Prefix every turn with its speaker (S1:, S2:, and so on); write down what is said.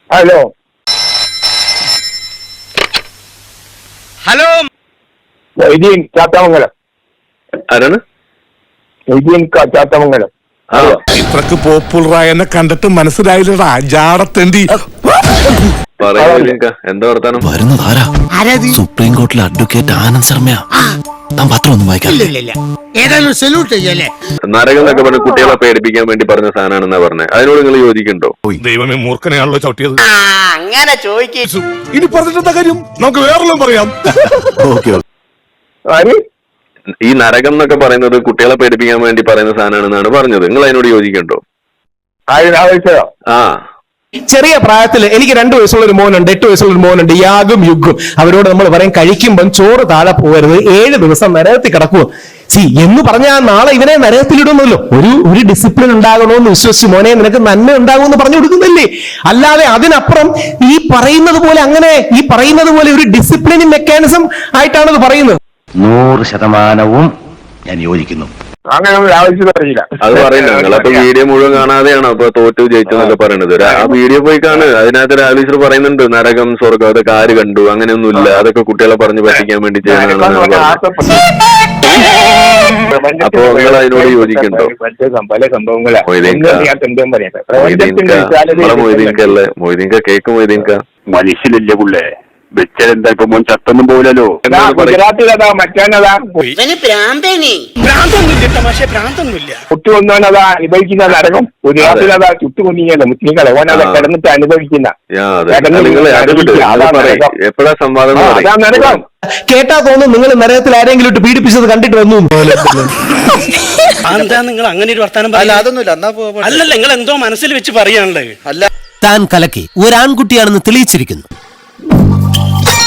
S1: Hello
S2: hello
S1: Moideen Chathamangalam.
S3: ആരാണ്?
S1: മൊയ്തീൻ ചാത്തമംഗലം.
S4: ഇത്രക്ക് പോപ്പുലറായെന്നെ കണ്ടിട്ട് മനസ്സിലായില്ലടാ ജാടത്തേണ്ടി.
S3: എന്താ വർത്താനം?
S5: വരുന്നതാരാ? സുപ്രീം കോടതിയിലെ അഡ്വക്കേറ്റ് ആനന്ദ് ശർമ്മയാ. താൻ പത്രം ഒന്നും വായിക്കാം.
S3: നരകം എന്നൊക്കെ പറഞ്ഞ കുട്ടികളെ പേടിപ്പിക്കാൻ വേണ്ടി പറഞ്ഞ സാധനമാണെന്നാ പറഞ്ഞത്. അതിനോട് നിങ്ങൾ യോജിക്കുന്നുണ്ടോ?
S4: ദൈവമേ, മൂർഖനെയാണല്ലോ ചവിട്ടിയത്.
S2: അങ്ങനെ ചോദിക്കും.
S4: ഇനി പറഞ്ഞിട്ടെന്താ കാര്യം? നമുക്ക് വേറെല്ലാം പറയാം.
S3: ഈ നരകം എന്നൊക്കെ പറയുന്നത് കുട്ടികളെ പേടിപ്പിക്കാൻ വേണ്ടി പറയുന്ന സാധനമാണെന്നാണ് പറഞ്ഞത്. നിങ്ങൾ അതിനോട് യോജിക്കുന്നുണ്ടോ? ആ,
S6: ചെറിയ പ്രായത്തിൽ എനിക്ക് 2 വയസ്സുള്ള ഒരു മോനുണ്ട്, 8 വയസ്സുള്ള ഒരു മോനുണ്ട്. യാഗും യുഗും അവരോട് നമ്മൾ പറയും കഴിക്കുമ്പം ചോറ് താഴെ പോകരുത്, 7 ദിവസം നരകത്തിൽ കിടക്കും. എന്ന് പറഞ്ഞാൽ നാളെ ഇവനെ നരകത്തിലിടുന്നല്ലോ. ഒരു ഡിസിപ്ലിൻ ഉണ്ടാകണമെന്ന് വിശ്വസിച്ച് മോനെ നിനക്ക് നന്മ ഉണ്ടാകുമെന്ന് പറഞ്ഞു കൊടുക്കുന്നില്ലേ? അല്ലാതെ അതിനപ്പുറം ഈ പറയുന്നത് പോലെ അങ്ങനെ ഈ പറയുന്നത് പോലെ ഒരു ഡിസിപ്ലിനിങ് മെക്കാനിസം ആയിട്ടാണത് പറയുന്നത്.
S5: 100% ഞാൻ യോജിക്കുന്നു.
S1: അങ്ങനെ ആവശ്യം അറിയില്ല.
S3: അത് പറയുന്നത് നിങ്ങളപ്പോ വീഡിയോ മുഴുവൻ കാണാതെയാണോ അപ്പൊ തോറ്റു ജയിച്ചെന്നൊക്കെ പറയുന്നത്? ആ വീഡിയോ പോയി കാണ്. അതിനകത്ത് രാജേശ്വർ പറയുന്നുണ്ട് നരകം സ്വർഗം അതൊക്കെ ആര് കണ്ടു, അങ്ങനെയൊന്നുമില്ല, അതൊക്കെ കുട്ടികളെ പറഞ്ഞു പറ്റിക്കാൻ വേണ്ടി ചെയ്യുന്നതാണ്. അപ്പൊ നിങ്ങൾ അതിനോട് യോജിക്കുന്നുണ്ടോ?
S1: പല സംഭവങ്ങളാണ്.
S3: മൊയ്തീൻക കേക്ക് മൊയ്തീൻക
S5: മനുഷ്യനല്ലേ പുള്ളേ, വെച്ചെന്താ ഇപ്പൊ മോൻ ചത്തൊന്നും പോലല്ലോ.
S1: ഗുജറാത്തിലതാ മറ്റാനതാ കുട്ടി ഒന്നോനതാ അനുഭവിക്കുന്ന നരകം. ഗുജറാത്തിലതാ ചുട്ടു കൊന്നിങ്ങല്ലോ മുസ്ലിങ്ങളെ ഓനതാ കിടന്നിട്ട് അനുഭവിക്കുന്ന
S3: എപ്പോഴാ സംവാദം?
S1: അതാ നരകം.
S6: കേട്ടാ തോന്നുന്നു നിങ്ങൾ നരകത്തിൽ ആരെങ്കിലും ഇട്ട് പീഡിപ്പിച്ചത് കണ്ടിട്ട് വന്നു.
S2: എന്താ നിങ്ങൾ അങ്ങനെ ഒരു വർത്താനം? അല്ലല്ല, നിങ്ങൾ എന്തോ മനസ്സിൽ വെച്ച് പറയാനുള്ളത്.
S7: താൻ കലക്കി ഒരാൺകുട്ടിയാണെന്ന് തെളിയിച്ചിരിക്കുന്നു.